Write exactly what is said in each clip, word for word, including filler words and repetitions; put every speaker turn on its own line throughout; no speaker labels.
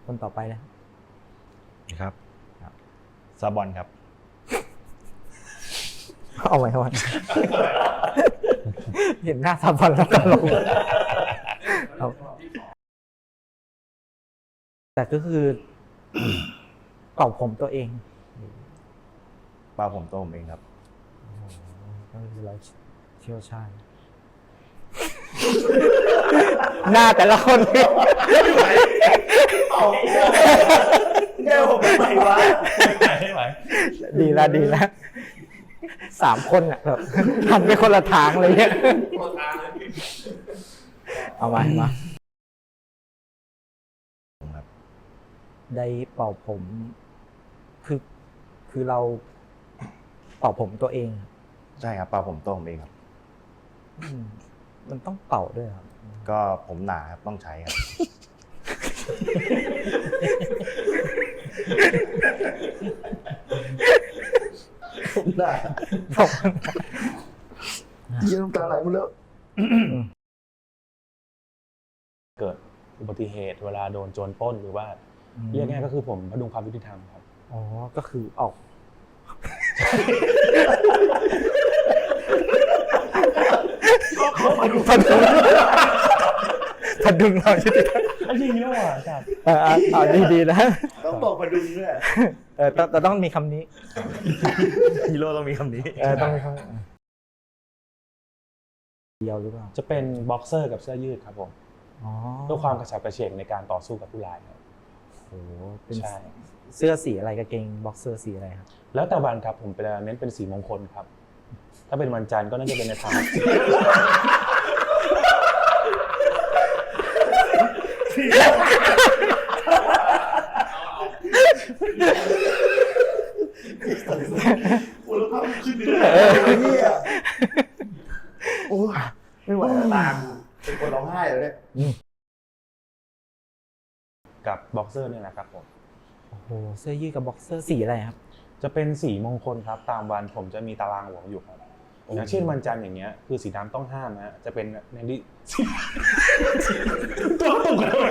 คนต่อไปเลย
ครับซาบอนครับ
เอาไว้เอาไว้เห็นหน้าซาบอนแล้วก็ลงแต่ก็คือเป่าผมตัวเอง
เปล่าผมตัวผมเองครับ
ก็คือเราเชี่ยวชาญหน้าแต่ละคนนี่
แก้วผมไม่ไหววะ
ไม่ไหว
ดีละดีละสามคนอ่ะแบบหันไปคนละทางเลยเนี่ยเอามามาได้เป่าผม คือคือเราเป่าผมตัวเอง
ใช่ครับเปล่าผมตัวผมเองครับ
อืมมันต้องเป่าด้วยครับ
ก็ผมหนาครับต้องใช้ครับ
ผมได้
ผม
เยี่ยมตาไหลหมดแล้ว
เกิดอุบัติเหตุเวลาโดนโจรปล้นหรือว่าเรียกง่ายก็คือผมพดุงความยุติธรรมครับ
อ๋อก็คือออกพดุงพดุงพดุงเราใช่ไหม
จริงด้วยอ่ะครับ
เออเอาดีๆนะ
ต้องบอกมาดูด้วย
เออต้องแต่ต้องมีคำนี้
ฮีโร่ต้องมีคำนี้
เออต้องมีคำเดียวหรือเปล่า
จะเป็นบ็อกเซอร์กับเสื้อยืดครับผม
อ๋อ
เพื่อความกระฉับกระเฉงในการต่อสู้กับผู้ร้ายครับ
โอ้โหเป็น
ใช่
เสื้อสีอะไรกางเกงบ็อกเซอร์สีอะไรครับ
แล้วแต่วันครับผมเป็นเน้นเป็นสีมงคลครับ ถ้าเป็นวันจันทร์ก็น่าจะเป็นในทาง
คุณภาพขึ้นไปเลยเนี่ยโอ้ยไม่ไหวแล้วตาเป็นคนร้องไห้แล้วเนี่ย
กับบ็อกเซอร์เนี่ยนะครับผม
โอ้โหเสื้อยืดกับบ็อกเซอร์สีอะไรครับ
จะเป็นสีมงคลครับตามวันผมจะมีตารางหลวงอยู่ครับอย่างเช่นวันจันทร์อย่างเงี้ยคือสีดำต้องห้ามนะฮะจะเป็นในที่ ตัวตุกอะไร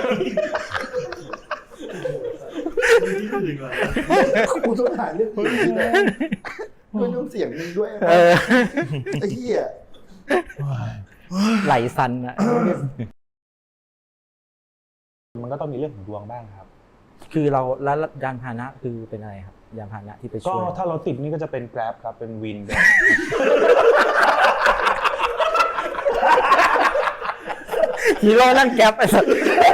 กูต้องถ่ายเรื่องอื่นด้วยไม่ต้องเสียงนึงด้วย
เออ
ไอ้เหี้ย
ไหลซันอะ
มันก็ต้องมีเรื่องของดวงบ้างครับ
คือเราแล้วยานพาหนะคือเป็นอะไรครับยานพาหนะที่ไป
ก็
ช่วย
ถ้าเราติดนี่ก็จะเป็น Grab ครับเป็นวิน
ฮีโร่นั่งแก๊ปไอ้สัส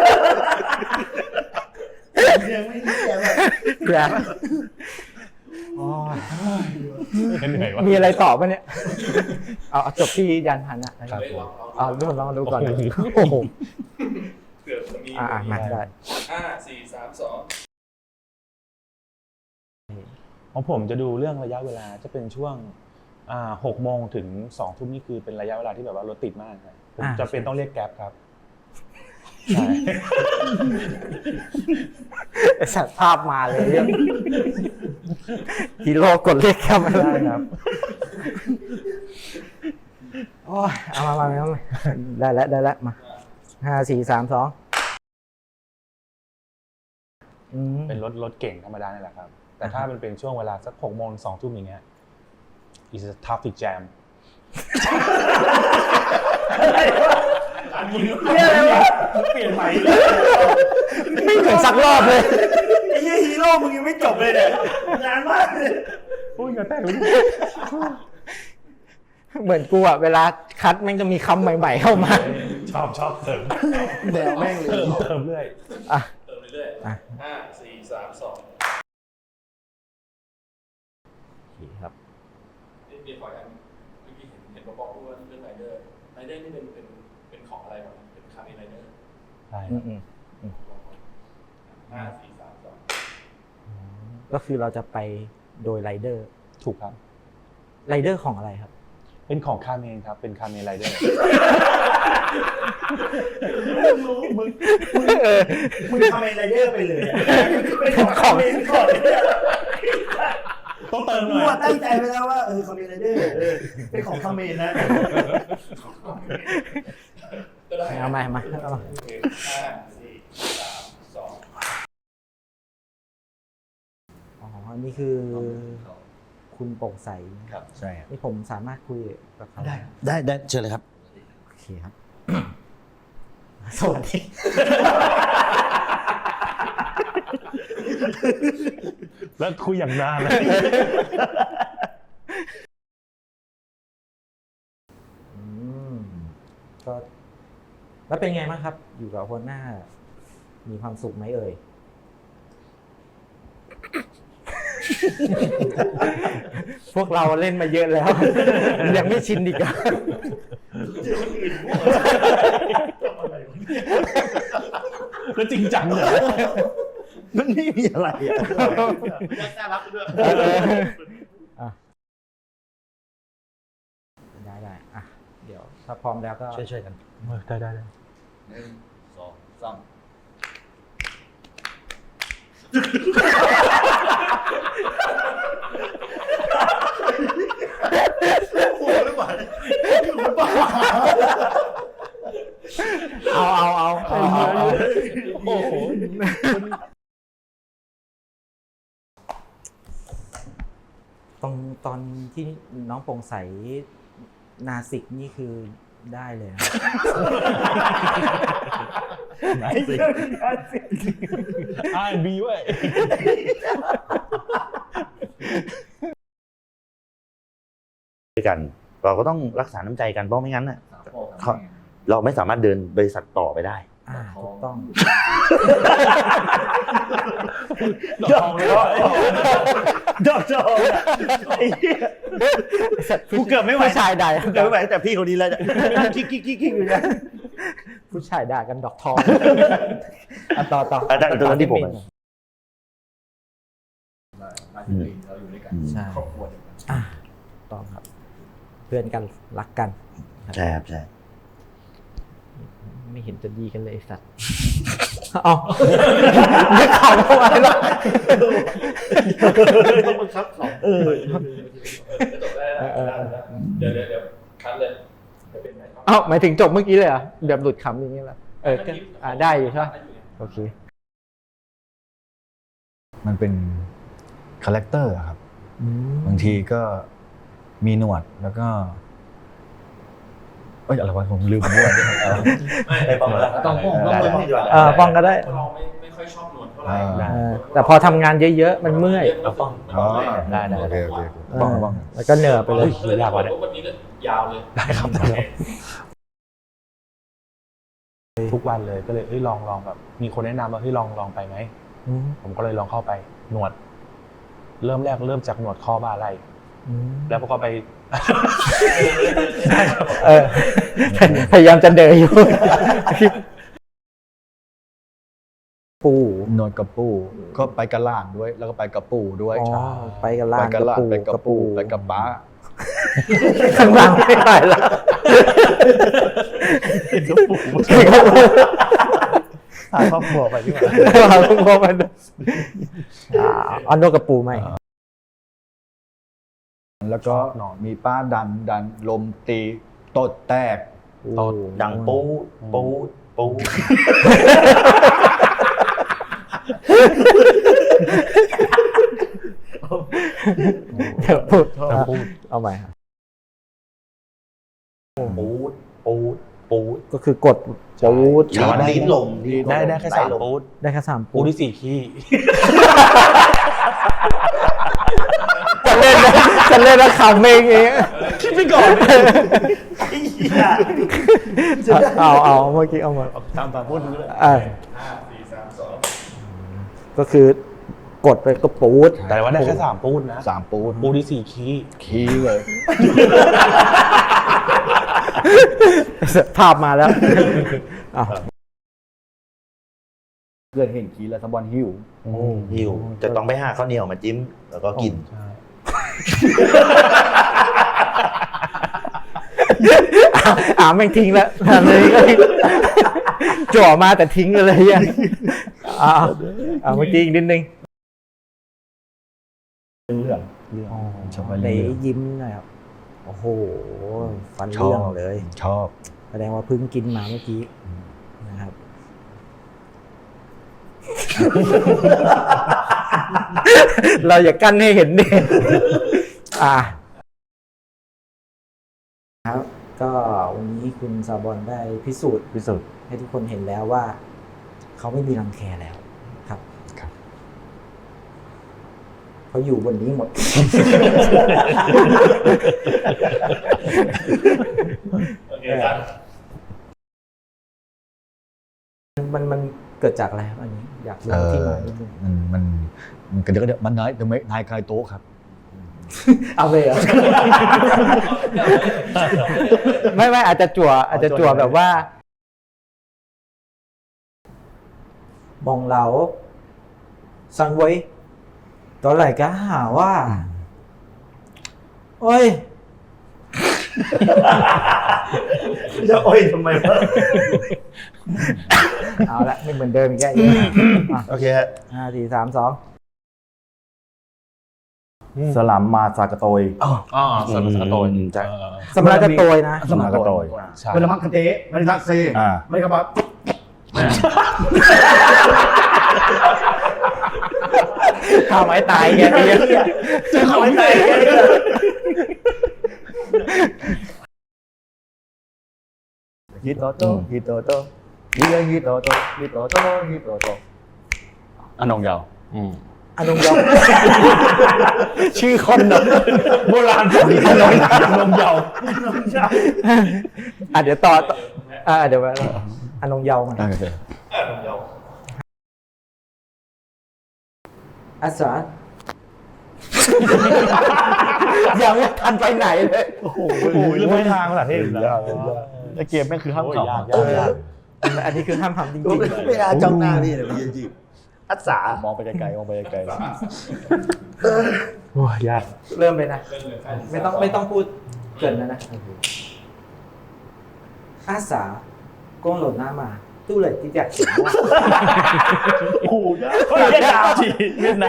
ยังไม่ได้แก้แบบ
แก๊ปโอ้ย
เหนื่อยวะ
มีอะไรต่อปะเนี่ย เอาเอาจบที่ยานพาหนะนะครับเอาดูลองดูก่อนนะโอ้โห
เกือบจะมี
อ่ามาได้
ห้าสี่สามสอง
ของผมจะดูเรื่องระยะเวลาจะเป็นช่วงอ่าหกโมงถึงสองทุ่มนี่คือเป็นระยะเวลาที่แบบว่ารถติดมากครับผมจะเป็นต้องเรียกแกร็บครับใช่
ไอ้สัตว์ภาพมาเลยเรื่องฮีโร่กดเลขแค่ไม่ได้
ได้ครับ
โอ้ยเอามามามามาได้แล้วได้แล้วมาห้าสี่สามสองอืม
เป็นรถรถเก่งธรรมดานี่แหละครับ แต่ถ้ามันเป็นช่วงเวลาสักหกโมงสองทุ่มอย่างเงี้ย is a traffic jam
เนี่ยอะไรวะเปลี่ยนใหม่เลย
ไม่ถึงสักรอบเลย
ไอ้เหี้ยฮีโร่มึงยังไม่จบเลยเนี่ยนานมากเลย
อุ้ยเหงื่อแตกเลย
เหมือนกูอะเวลาคัดแม่งจะมีคำใหม่ๆเข้ามา
ชอบชอบเสริม
แนวแม่งเลย
เติมเติมเรื่อย
อ่ะ
เติมเรื่อย
อ่ะ
ๆห้าสี่สามสอง
ครับ
นี่มีขออันเมื่อกี้เห็นเห็นบอกพูดว่าเรื่องไรเดอร์ไรเดอร์นี่เป็นเป็นเป็นของอะไรบ้างเป็นคาร์บีไรเดอร์
ใช่
อืมอืม
ห้าสี่สามสอง
ก็คือเราจะไปโดยไรเดอร์
ถูกครับ
ไรเดอร์ของอะไรครับ
เป็นของคาเมนครับ เป็นคาเมนไรเดอร์
มึงรู้มึงมึงมึงทำไมไรเดอร์ไปเลยอะเป็นของคอมเมนต์ก่อนเนี่ย
ต้องเติมห
กู
น่อย
อะตั้งใจไว้แล้วว่าเออคอมเมนต์ไรเดอร์เออเป็นของคอมเมนต์นะ
ก็ได้
เอามาเอามาเอามา
ห้าสี่สามสอง
อันนี้คือคุณโปร่งใส
ครับ
ใช่ครับ
นี่ผมสามารถคุยกับเขา
ได้ได้ได้เชิญเลยครับ
โอเคครับ สวัสดี
แล้วคุยอย่างนานเลย
อืมก็แล้วเป็นไงบ้างครับ อยู่กับหัวหน้า มีความสุขไหมเอ่ย พวกเราเล่นมาเยอะแล้ว ยังไม่ชินอีกอะ
แล้วจริงจังเลย
มันไม่มีอะไรอ่ะ
น่ารักด้วย
อ่ะได้ได้อ่ะ เดี๋ยวถ้าพร้อมแล้วก็
ช่วยช่วยๆกัน
ได้ได้ได้
หนึ่งสองสามโอ้หรือเปล่าคุณบ้า
เอาเอาเอาเอาเอาเอา
โอ้โห
ตรงตอนที่น้องโปร่งใสนาสิกนี่คือได้เลยนะ
ไหนสิ
อาร์บีเว้ย
ด้วยกัน เราก็ต้องรักษาน้ำใจกันเพราะไม่งั้นน่ะเขาเราไม่สามารถเดินบริษัทต่อไปได้
อ่าถูกต้อง
ดอกทองเลยว่า
ดอกจอกอ่ะไอ้เหี้ยกูเกือบไม่ไหว
ผู้ชายด่า
กูเกือบไม่ไหวแต่พี่คนนี้แล้วจะกิ๊กกิ๊กกิ๊กกิ๊กอยู่นะ
ผู้ชายด่ากันดอกทองอ่ะต่อต่อ
อ่ะได้ตรงนั้นที่ผม
อืมเราอยู่ด้วยกัน
ใช่
ครอบครัวเดียวกัน
อ่ะต่อครับ เพื่อนกันรักกัน
ใช่ครับใช่
ไม่เห็นจะดีกันเลยไอ้สัตว์ เอาไม่ข่าวทำไมล่ะ
ต้องบังคับเขาเออจบได้แล้วเดี๋ยวเดี๋ยวเดี๋ยวคัดเลยจะเป็นไง
เอ้าหมายถึงจบเมื่อกี้เลยเหรอแบบหลุดคำอย่างนี้เหรอเออก็อ่าได้อยู่ใช่ไหมโอเค
มันเป็นคาแรคเตอร์ครับ
อืม
บางทีก็มีหนวดแล้วก็เอ้ยอะไรวะผมลืมด้วยเอา
ไม่ป้องแล้วต้องป้องต้องป้องที่ดีกว่า
เออป้องก็ได้
เราไม่ไม่ค่อยชอบนวลเท่าไหร่
อ่า
เออแต่พอทำงานเยอะๆ มันเมื่อย
เราป้อง
อ๋อ
ได้ได้
โอเคโอเค
เออ
บ้องบ้อง
แล้วก็เหนื่อยไปเลย
เลยยาวกว่าวันนี้ก็ยาวเลย
ได้ครับได้ครับทุกวันเลยก็เลยเอ้ยลองลองแบบ มีคนแนะนำว่าเฮ้ยลองลองไปไหม
อืม
ผมก็เลยลองเข้าไปหนวด เริ่มแรกเริ่มจากหนวดคอบ่าไหล่
อืม
แล้วก็ไป
เออพยายามจะเดินอยู่ ปู
นวดกระปูก็ไปกระล่างด้วย แล้วก็ไปกระปูด้วย
อ๋อไปกับล่าง
ไปกระล่างไปกระปูไปกระป้า
ข้างล่างไม่ได้ละ
พาครอบครัวไปดีกว่า
เราต้องพบมันอ่าเอานกกระปูไหม
แล้วก็มีป้าดันดันลมตีตดแตก
ตด
ดังปูปูปู
เดี๋ยวพูด
จะพูด
เอาใหม่ครับ
ปูปูปู
ก็คือกดปูด
ลิ้นลิ้นลม
ได้ได้แค่สามปูด
ได้แค่สาม
ปู
ปูด
ที่สี่ขี้
จะเล่นนะจะเล่นแล้วขำเองเอง
คิดไปก่อน
เอาเอาเมื่อกี้เอามา
ตามตามพูดเลย
อ่า
ห้าสี่สามสอง
ก็คือกดไปก็ปูด
แต่ว่าได้แค่สามปูดนะ
สามปูน
ปูที่สี่ขี้
ขี้เลย
ภาพมาแล้วอ้าว
เพื่อนเห็นขี้แล้วสะบอนหิว
หิวจะต้องไปหาข้าวเหนียวมาจิ้มแล้วก็กิน
ใช่
อ่าแม่งทิ้งแล้วทำเลยก็ทิ้งจ่อมาแต่ทิ้งเลยอ่ะอ่าอ่าเมื่อกี้อีกนิดนึง
เรื่องเรื่องชอบ
ไหน
เรื่อง
ยิ้มหน่อยครับโอ้โหฟัน
ชอ
เรื่อง
บ
เลย
ชอบ
แสดงว่าเพิ่งกินมาเมื่อกี้นะครับเราอย่ากั้นให้เห็นดิอ่าครับก็วันนี้คุณซาบอนได้พิสูจน์
พิสูจน์
ให้ทุกคนเห็นแล้วว่า เขาไม่มีรังแคแล้วครับ
ครับ
เขาอยู่บนนี้หมด
โอเคครับ
มันมันเกิดจากอะไรครับอันนี้ อยากรู้
เอ
ที่
อ
มานิดนึง
มันมันมันกระเดี๋ยวกระเดี๋ยวมันนายเดี๋ยวไม่นายคลายโต๊ะครับ
เอาเลยเหรอ ไม่ไม่อาจจะจั่วอาจจะจั่วแบบว่า มองเราสังไว้ตอนไหนก็หาว่า โอ้ย
จะโอ้ยทำไมวะ
เอาละไม่เหมือนเดิมอีกแค่อ่ะ
โอเคฮะ
ห้าสี่สามสอง
สลัมมาซากะโตย
อ๋อสมรสโตน
ใช่
สำหรับกระโตยนะ
สมากะโตย
ใช่
เวลามักกะเตะไม่ได้ทักเซ
อ่า
ไม่ได้ครับ
ข้าวไม้ตายแกเนี่ย
จะขอให้ใจ
ฮิโตโตฮิโตโตฮิเรฮิโตโตฮิโตโตฮิโตโตอันนองยาว
อืม
อนุยองชื่อคนเนอะ
โบราณผมขนมนมเยา
อ่ะเดี๋ยวต่อต่ออ่ะเดี๋ยวไปอนุยองมัน
โอเค
อ่ะผมยาว
อาสายังไม่ทันไปไหนเลย
โอ้โหเรื่องไม่ทางภาษาเทศอีกแล้ว
ไอเกมแม่งคือห้าม
โอ้ย
เข่าย
ากยากยาก
อันนี้คือห้ามทำจริง
ไม่อาจ้องหน้านี่เลยจริงอัศาม
องไปไกลๆมองไปไกล
โอ้ยยาก
ๆ เริ่มเลยนะ
เรื่องเลยใคร
ไม่ต้องไม่ต้องพูดเกินนะนะอาสาโกงหล่นหน้ามา ตู้เลยที่อยากเสียงว่า
โอ้โหยากเวียดนามจีเวียดนาม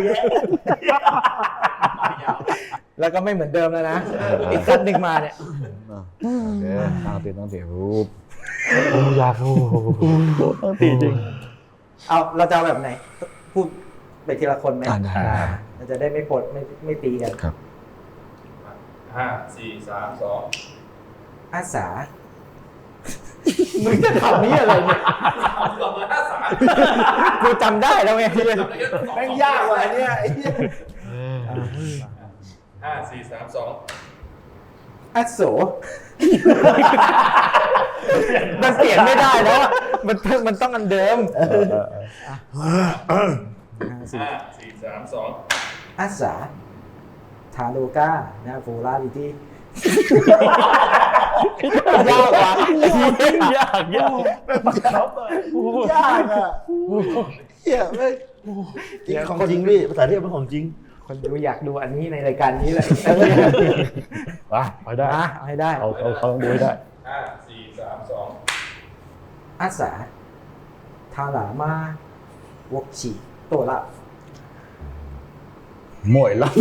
แล้วก็ไม่เหมือนเดิมแล้วนะ อีกคันหนึ่งมาเนี่ย
ๆโอเคตั้งตีตั้งตีรูป
โอ้ยากโอ้โหต้องตีจริง
เอาเราจะเอาแบบไหน พูดไปทีละคนไหม
อ่าได้
อ่าเราจะได้ไม่ปลดไม่ไม่ตีกัน
ครับ
ห้าสี่สามสอง
อาสา มึงจะทำนี้อะไรเนี่ย
เอาสองห้าสาม
กูจำได้แล้วไง
แม่งยากว่ะเนี่ยไอ้เหี้ย
ห้าสี่สามสอง
อาโส มันเปลี่ยนไม่ได้แล้วอะมันมันต้องอันเดิม
ห้าสี่สามสอง
อาสาทาโลก้านะโฟลาดิตี้ยากว่ะ
ยากยาก
ยากอ่ะเหี้ยไม่จริงของจริงพี่ภาษาเทพเป็นของจริง
คนดูอยากดูอันนี้ในรายการนี้แหละ
อ่ะไปได้
อ่ะเอาให้ได้
เอาเอาเขาต้องดูให้ได้
ห้าสี่สามสอง
อาสาทาหลามาวกฉีโตละ
หมวยลับ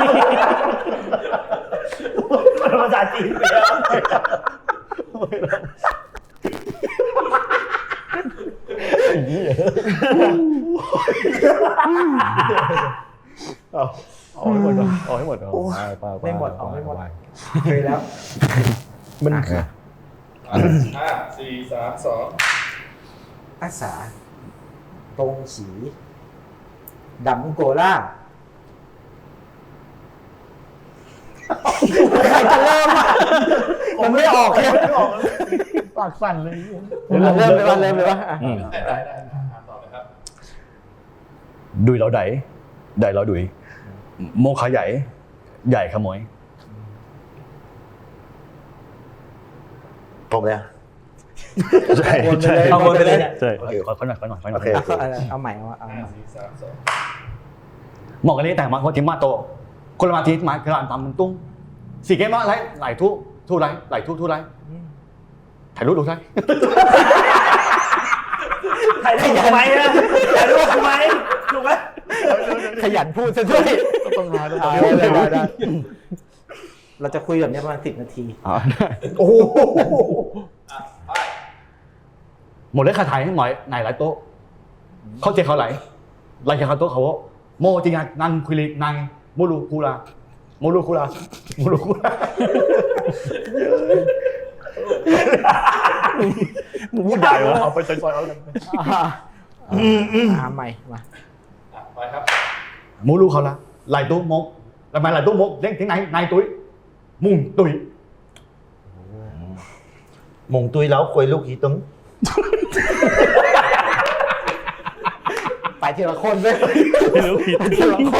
ภาษาจีนไปแล้ว
เอาเอาให้หมดก่อนเอาให้หมดก่อนไปไป
ไม่หมดเอาไม่หมด
ป
เคยแล้ว
มัน
อ่ะ
ห้าสี่สามสอง
อาสาตรงฉีดำโกล่าใครจะเริ่มอ่ะมันไม่ออกเลย
ปากสั่นเลย
เริ่มเลยว่าเริ่มเลยว่า
ได้ได้ได้อ่านต่อเลยครับ
ดุยเราไดไดเราดุยโมขาใหญ่ ใหญ่ขโมย
ผมเลย
ใช่ใช่
เอาวนไปเลยเนี่ย
ใช่ขอขอหน่อยขอหน่อยขอหน่อย
โอเค
เอาเอาเอาใหม่เอาเอา
ห้าสี่สามสอง
หมอกกันนี้แต่มาคนที่มาโตคนละมาทีมากระดานตามมันตุ้งสี่เกมว่าไรไหลทุทุไรไหลทุทุไรถ่ายรูปดูใช่
ถ่ายรูปทำไมอะถ่ายรูปทำไมถูกไหม
ขยันพูดซะด้วย
ต้องหาต้อง
เอา
หา
ได้ได้ได้เราจะคุยแบบนี้ประมาณสิบนาที
อ่าได้
โอ้โห
อ่ะไป
หมดเลยคาถ่ายให้หมอยไหนหลายโต๊ะเขาเจเขาไหลไหลเขาโต๊ะเขาโมจิงนังคุรินังโมลูคูลาโมลูคูลาโมลูคูลา
มึงพูดใหญ่วะ
เอาไปซอยๆเอาเลย
อ่าอ่าใหม่มา
อ่ะไปครับ
โมลูเขาละไหลตู้มกทำไมไหลตู้มกเรียกtiếng này này túi mùng túi
มงตุยแล้วคุยลูกอีตึง
ไปทีละคนเลย
ไม่รู้ผิด
ทีละคน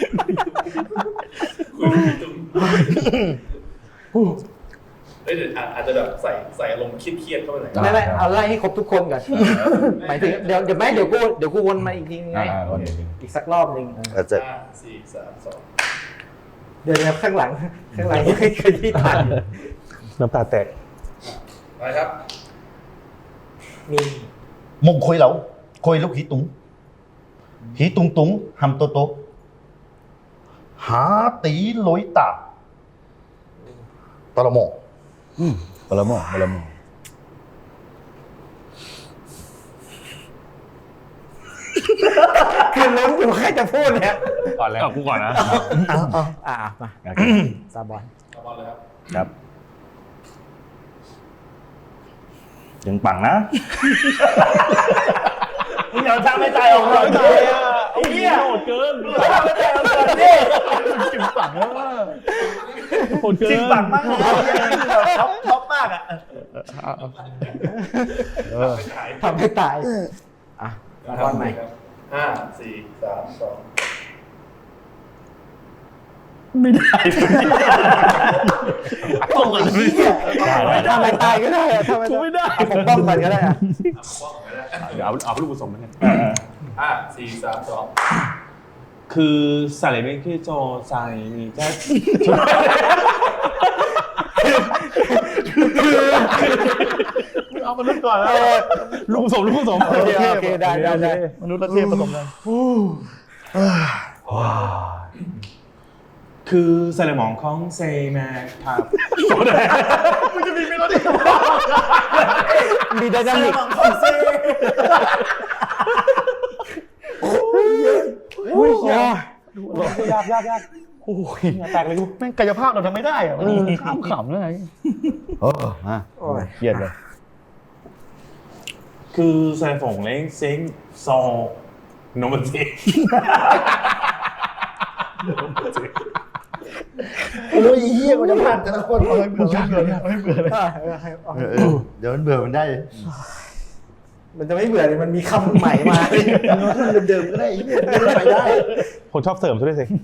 เอ้ยเดี๋ยวอาจจะแบบใส่ใส่อารมณ์เครียดๆเข้าไปหน่อย
ไม่ไม่เอาไล่ให้ครบทุกคนก่อนหมายถึงเดี๋ยวเดี๋ยวไม่เดี๋ยวกูเดี๋ยวกูวนมาอีกทีนึงไงอีกสักรอบหนึ่ง
อาจจะ
ห้าสี่สามสอง
เดี๋ยวเดี๋ยวข้างหลังข้างหลังยังไม่เคยที่ทัน
น้ำตาแตก
ไปครับ
มี
มงคุยแล้วคุยลูกหีตุงหีตุงตุงหำโตโตหาตีลอยตาตะละโม
ปลาหม้อปลาหม้อ
คือลุ้นอยู่ใครจะพูดเนี่ย
ก่อนแล้วกูก่อนนะ
อ่ามาซาบอน
เอาบอลเลยครับ
ครับยังปังนะ
มึงอย่าทำให้ใจออกเลย
ไอ้เหี้ยโหดเกิน
ไม่ใจออกเลยนี่จิ๋มปังแล้วว่า
โหดเกิน
จิ๋มปังมากท็อปท็อปมากอ่ะ
ทำให้ตายอ่ะซาบอนใหม่
ครับห้าสี่สามสอง
ไม่ได้ต้องกันไม่ได้
ทำไมตายก็ได้อะทำไม
ไม่ได้
เอาผมป้องกันก็ได้อะ
อ่ะป้องไว้แล้ว
เดี๋ยวเอาเอาลูกผสมมาเนี่ย
ห้าสี่สามสอง
คือสาเลเมคือโจไซมีแค่เอามนุษย์ก่อนแล้วลูกผสมลูกผสม
โอเคโอเคได้ได้ได้
มนุษย์และเทพผสมกัน
คือสเลมองของเซแมครับ
มันจะมีเมโลดี้
มีไดนามิก อุ้ยยาก
ยากยากยากโอ้ยแตกเลยกู
แม่งกายภาพเราทำไม่ได้อะมันขำขำเลยโอ้มา
โอ้ย
เครียดเลย
คือสเลมองเล้งเซ็งซอโนมันเซ
โอ้ยเหี้ยกูจะพลาดแต่ละคนเอาให้เบื่อเอาให้เบื่อเอาให้เบื่อเลย
เดี๋ยวมันเบื่อมันได้
มันจะไม่เบื่อเลยมันมีคำใหม่มา
เดิมๆก็ได้เหี้ยไม่ได้ไปได้
คนชอบเสริมซะด้วยสิ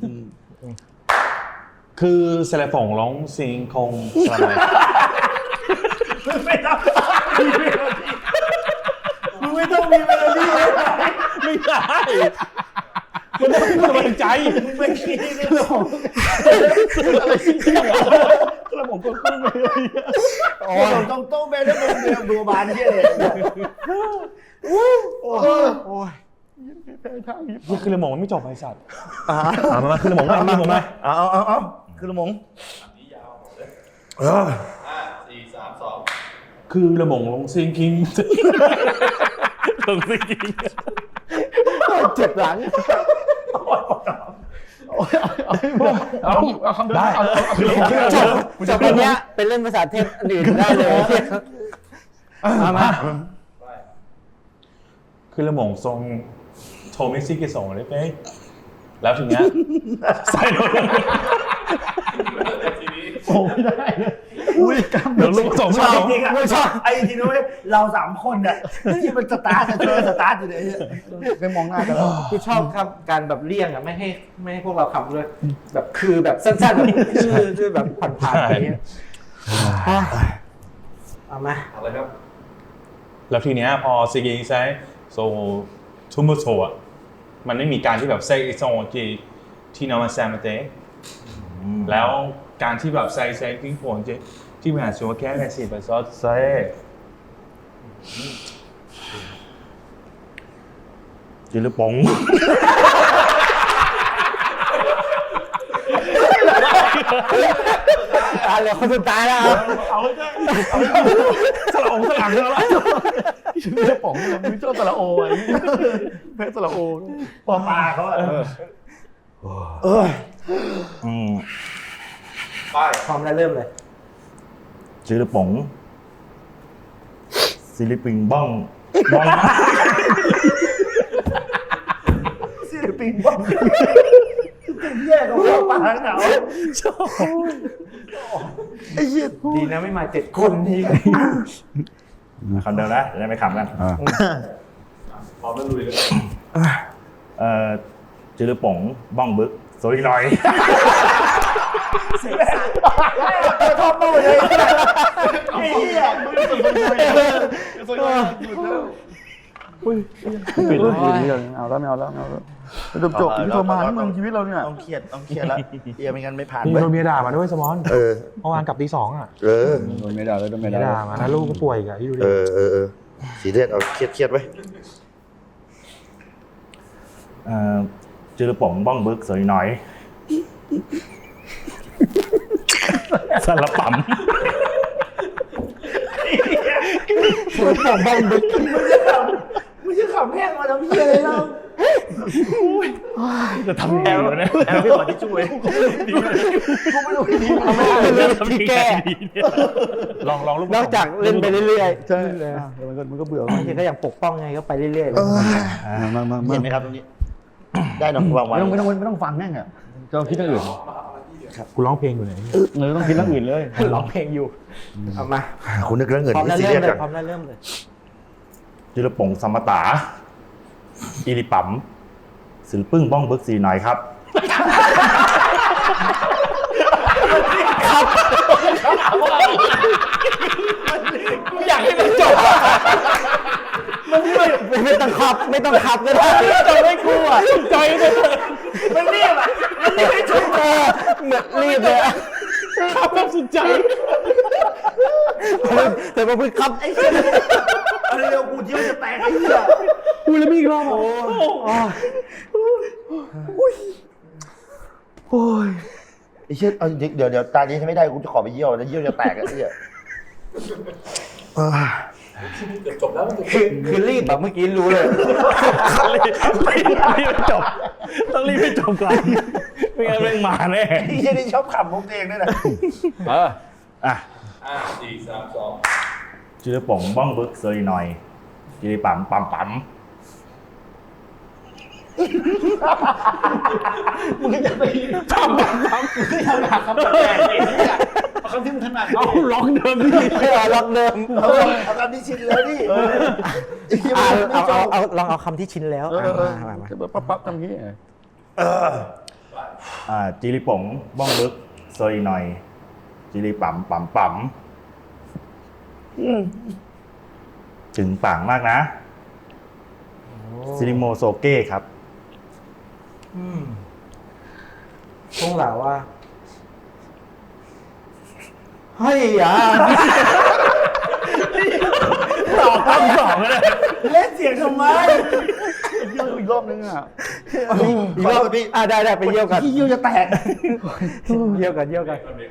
คือสเลมองร้องซิงคงสลาย
ไม่ต้องมึงไม่ต้องมีเมโลดี้เลย
ไม่ได้มันต้องพูดกำลังใจ
มึงไม่คิดเลยหรอกอะไรจริงๆเหรอแล้วผมก็ขึ้นไปเลยโอ้ยต้องต้องไปแล้วมึงเรียนดูบานเหี้ยเลยโอ้ยโอ้ย
นี่คือเลยมองมันไม่จบไอ้สัตว์
อ่า
อ่ะมามาคือเลยมองมาคือเลยมองมา
เอาเอาเอาเอาคือละมง
อันนี้ยาวหมดเลย
เออ
ห้าสี่สามสอง
คือเลยมองลงซิงคิงลงซิงคิง
เจ็บหลัง
เอาเอาคำได้เอาเอาคือละมง
จบจบเป็นเนี้ยเป็นเล่นภาษาเทพอันอื่นได้เลยมามา
ไป
คือเลยมองทรงโทมิซิกิส่งเลยเป๊ะแล้วทีเนี้ยใส่ลง
ทีนี้
โอ้ไม่ได้เลยอุ้ยกำ
เดี๋ยวลูกส่ง
ช
ไม่
อบ
เอา
จริงอ่ะชอบไอ้จริงนะเว้ยเราสามคนเนี่ยที่มันสตาร์ทเจอสตาร์ทอยู่เลยไปมองหน้ากันแล้ว
กูชอบครับการแบบเลี่ยงอ่ะไม่ให้ไม่ให้พวกเราขำเลยแบบคือแบบสั้นๆแบบชื่อชื่อแบบผ่านๆอย่างเงี้ยเอามา
เอาเลยครับ
แล้วทีเนี้ยพอซีกีใช้โซทูมุโซอ่ะมันไม่มีการที่แบบใส่โซที่ที่นอมาแซมเตะแล้วการที่แบบใส่ใส่ทิ้งผลที่ที่มันอาจจะแค่ในสี่เปอร์เซ็นต์ใส่
จิลปง
ตายเลยคนสุดท้ายแล้วครับ
เอาให้ได้เอาให้สละองสลังแล้วล่ะชื่อป๋องเลยมึงชอบสละโอไอ้เพชรสละโอปอปลาเขาอะ
เออ
อืม
ไป
พร้อมแล้วเริ่มเลย
จื้อป๋งศิลิปิงบ้องบ้อง
ศิลปินบ้างแย่ของเราปางหนาวไอ้เหี้ย
ดีนะไม่มาเจ็ดคนที
คำเดิมนะจะได้ไม่ขำกัน
พร้อมแล้วลุยเลย
เอ่อจื้อป๋งบ้องบึกโซลิลอย
ชอบมากเลยไอ้เหี้ย
ปิดเลยปิดเลยเอาแล้วไม่เอาแล้วไม่เอาแล้วจบจบที่ทรมานมึงชีวิตเราเนี่ย
ต้องเครียดต้องเครียดแล้วเอียไม่งั้นไม่ผ่าน
มี
เว้ย
โดนเมียด่ามาด้วยสมอน
เออ
เมื่อวานกลับตีสองอ่ะ
เออ
โดนไม่ได้เลยโดนไม่
เมีย
ได้
ด่ามานะลูกก็ป่วยอีกอ่ะที่ดูดิ
เออเออเออสีเลือดเอาเครียดเครียดไว้
เอ่อจื้อป๋งบ้องบึกโซลิลอยสารปั๊ม
ผมบ้องดึก
ไม่ใช่ขำแห้งมาทำเหี้ยเลยเรา
จะทำแอลนะ
แอบพี่ขอที่ช่วยกูไม่รู้ดี
เอาไม่เอาเรื่องที่แก้
ลองลองลูก
นอกจากเล่นไปเรื่อยๆ
ใช่อ่ะเดี๋ยวมันก็มันก็เบื่อบ
างทีก็ยังปกป้องไงก็ไปเรื่อยๆ
มามามา
เห็นไหมครับตรงนี้ ได้เนาะวางไว้
ไม่ต้องไม่ต้องไม่ต้องฟังแน่งอ่ะจะคิดเรื่องอื่น
กูร้องเพลงอยู่ไหน
เออต้องคิดเรื่องอื่นเลย
ร้องเพลงอยู่เอามา
คุณนึกเรื่องเงิน
พร้อม
ที่
แล้ว
ซี
เริ่
เรีย
ม
ส
เลย
ก่อน
พร้อมแล้วเริ่มเลย
จื้อป๋งสมตาอีลิปั๊มศิลปึ้งบ้องบึกสีหน่อยครับ
อยากให้มันจบอ่ะมันไม่ไม่ต้องขับไม่ต้องขับก็ได้จบไม่กลัวใจมันมันรีบอ่ะมันรีบไม่จบเออเหมือนรีบเลยอะขับแบบสุดใจแต่พอพูดขับไอ้เหี้ย
เอาเร็วกูเที่ยวจะแตกไอ้เหี้ย
พูดแล้วมีอีกรอบอ่ะโอ้ย
ไอ้เชี่ยเอาเดี๋ยวเดี๋ยวตานี้ถ้าไม่ได้กูจะขอไปเยี่ยวแล้วเยี่ยวจะแตกไอ้เหี้ย
เกือบจบแล้วมันเกือบ
คือคือรีบแบบเมื่อกี้รู้เลย
รีบจบ ต้องรีบให้จบก่อนไม่งั้นแม่งมาแน่
ไอ้เชี่ยนี่ชอบขำมุกตัวเองด้วยนะ
เออ
อ่ะ
ห้าสี่สามสอง
จื้อป๋งบ้องบึกโซลิลอยอีลิปั๊มปั๊มปั๊ม
มึงก็จะไปทำแบบนั้นมึงก็ทำแบบคำแปลกๆไอ้เหี้ยเอาคำที่มึงถนัด
เอาล็อกเดิมดิ
ไม่เอาล็อกเดิม
เอาเอาคำที่ชินเลยดิไอ้เหี้ย
เอา
มึงไม่
เอา
ชอ
เอา
บ
เอาลองเอาคำที่ชินแล้ว
เออเออ
มามามา
จะปั๊บปั๊บทำงี้
อ่าจื้อป๋งบ้องบึกโซลิลอยจีริปั๊มปั๊มปั๊มถึงปังมากนะซินิโมโซเก้ครับ
อืมต้องเหล่าว่าเฮ้ยอ่ะ
ต่อทั้งสองเลย
เล่นเสียงทำไม
เยี่ยวอีกรอบนึงอ่ะ
อีกรอบอ่ะได้ได้ไปเยี่ยวกัน
ที่เยี่ยวจะแตก
เยี่ยวกันเยี่ยวกัน